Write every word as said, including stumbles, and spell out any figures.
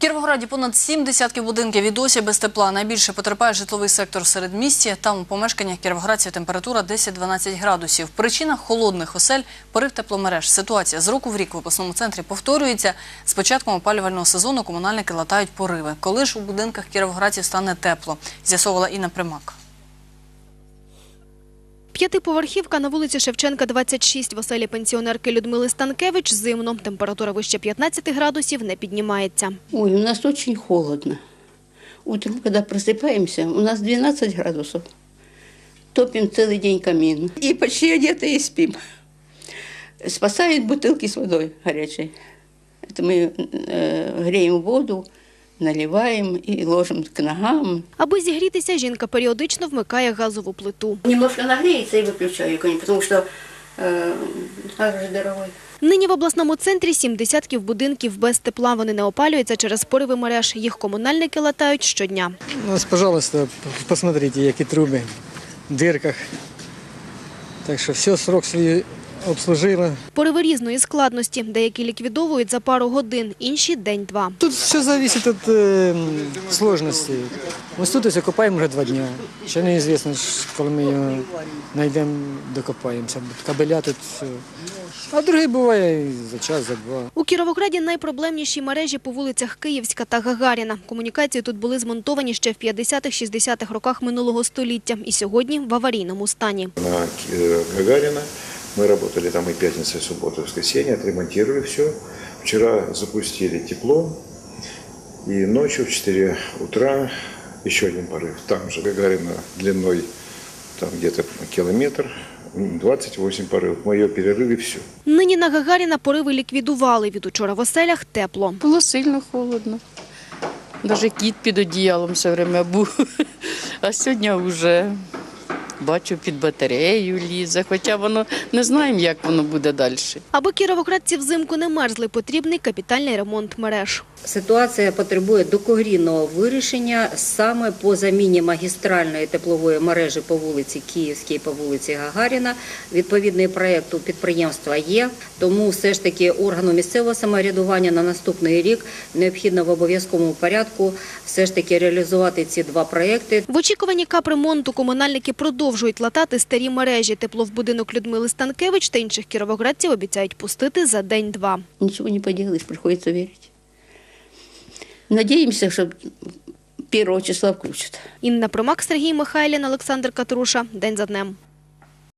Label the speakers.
Speaker 1: В Кіровограді понад сім десятків будинків і досі без тепла. Найбільше потерпає житловий сектор в середмісті. Там у помешканнях кіровоградців температура десять-дванадцять градусів. Причина холодних осель – порив тепломереж. Ситуація з року в рік в обласному центрі повторюється. З початком опалювального сезону комунальники латають пориви. Коли ж у будинках кіровоградців стане тепло? З'ясовувала Інна Примак.
Speaker 2: П'ятиповерхівка на вулиці Шевченка, двадцять шість. В оселі пенсіонерки Людмили Станкевич зимно. Температура вище п'ятнадцяти градусів не піднімається.
Speaker 3: Ой, у нас очень холодно. Утром, когда просыпаемся, у нас двенадцать градусов. Топим целый день камин. И почти одетые спим. Спасают бутылки с водой горячей. Это мы э, греем воду, наливаем и ложим к ногам.
Speaker 2: Аби зігрітися, жінка періодично вмикає газову плиту.
Speaker 3: Немножко нагреется и выключаю, потому что э, газ же дорогой.
Speaker 2: Нині в обласному центрі сім десятків будинків без тепла. Вони не опалюються через пориви мереж. Їх комунальники латають щодня.
Speaker 4: Ну, пожалуйста, посмотрите, які труби в дирках. Так що все, срок свій обслужило.
Speaker 2: Пориви різної складності. Деякі ліквідовують за пару годин, інші – день-два.
Speaker 4: Тут все залежить від е, складності. Ось тут ось копаємо вже два дні. Ще неізвісно, коли ми його знайдемо, докопаємося. Кабеля тут все. А другі буває і за час, за два.
Speaker 2: У Кіровограді найпроблемніші мережі по вулицях Київська та Гагаріна. Комунікації тут були змонтовані ще в п'ятдесятих-шістдесятих роках минулого століття і сьогодні в аварійному стані.
Speaker 5: На Гагарина мы работали там и пятница, и суббота, и воскресенье, отремонтировали все. Вчера запустили тепло, и ночью в четыре утра еще один порыв. Там же Гагарина длиной там где-то километр, двадцять вісім порывов. Мы ее перерыли, все.
Speaker 2: Нині на Гагаріна пориви ліквідували. Від учора в оселях тепло.
Speaker 6: Було сильно холодно. Навіть кіт під одіялом все время був. А сьогодні вже бачу, під батарею лізе, хоча воно не знаємо, як воно буде далі.
Speaker 2: Аби кіровоградці взимку не мерзли, потрібний капітальний ремонт мереж.
Speaker 7: Ситуація потребує докорінного вирішення саме по заміні магістральної теплової мережі по вулиці Київській, по вулиці Гагаріна. Відповідний проєкт у підприємства є, тому все ж таки органу місцевого самоврядування на наступний рік необхідно в обов'язковому порядку все ж таки реалізувати ці два проєкти.
Speaker 2: В очікуванні капремонту комунальники продовжують латати старі мережі. Тепло в будинок Людмили Станкевич та інших кіровоградців обіцяють пустити за день-два.
Speaker 3: Ничего не поделаешь, приходится верить. Надеемся, что первого числа включат.
Speaker 2: Інна Примак, Сергій Михайлін, Олександр Катруша. День за днем.